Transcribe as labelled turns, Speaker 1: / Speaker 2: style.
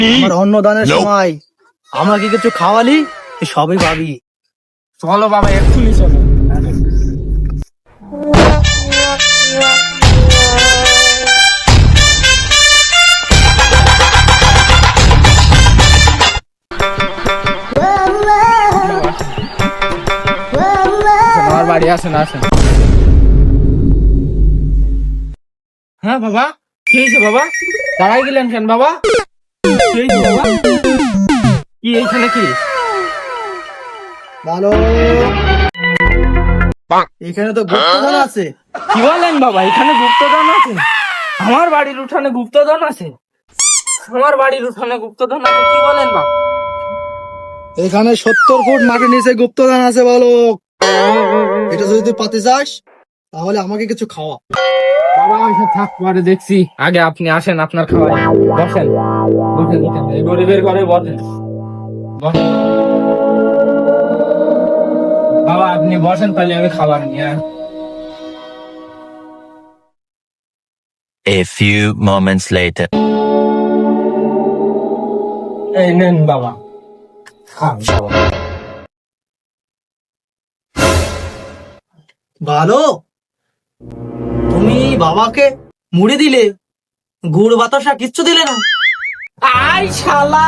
Speaker 1: আমার অন্নদানের সময় আমাকে কিছু খাওয়ালি, তুই সবই পাবি।
Speaker 2: চলো বাবা, এক্ষুনি চলো। আমার বাড়ি আসেন, আসেন। হ্যাঁ বাবা, কি হয়েছে বাবা? দাঁড়াই গেলেন কেন বাবা? কি হয়েছে বাবা? কি এইখানে কি?
Speaker 1: ভালো, এখানে তো গুপ্তধন আছে।
Speaker 2: কি বলেন বাবা, এখানে গুপ্তধন আছে? আমার বাড়ির উঠানে গুপ্তধন আছে? আমার বাড়ির উঠানে গুপ্তধন আছে, কি বলেন বাবা?
Speaker 1: এখানে 70 ফুট মাটির নিচে গুপ্তধন আছে বালক। এটা যদি তুই পাতে চাস তাহলে আমাকে কিছু খাওয়া।
Speaker 2: বাবা এসব থাক, পরে দেখছি, আগে আপনি আসেন, আপনার খাওয়াই। বসেন, বসেন, বসেন, এই গরিবের ঘরে বসেন, বসেন। বাবা আপনি বসেন, তাহলে আমি খাবার নিয়ে আসি।
Speaker 3: A few moments later.
Speaker 2: এই নেন বাবা, খান বাবা।
Speaker 1: ভালো, তুমি বাবাকে মুড়ি দিলে, গুড় বাতাসা কিচ্ছু দিলে না।
Speaker 2: আই শালা,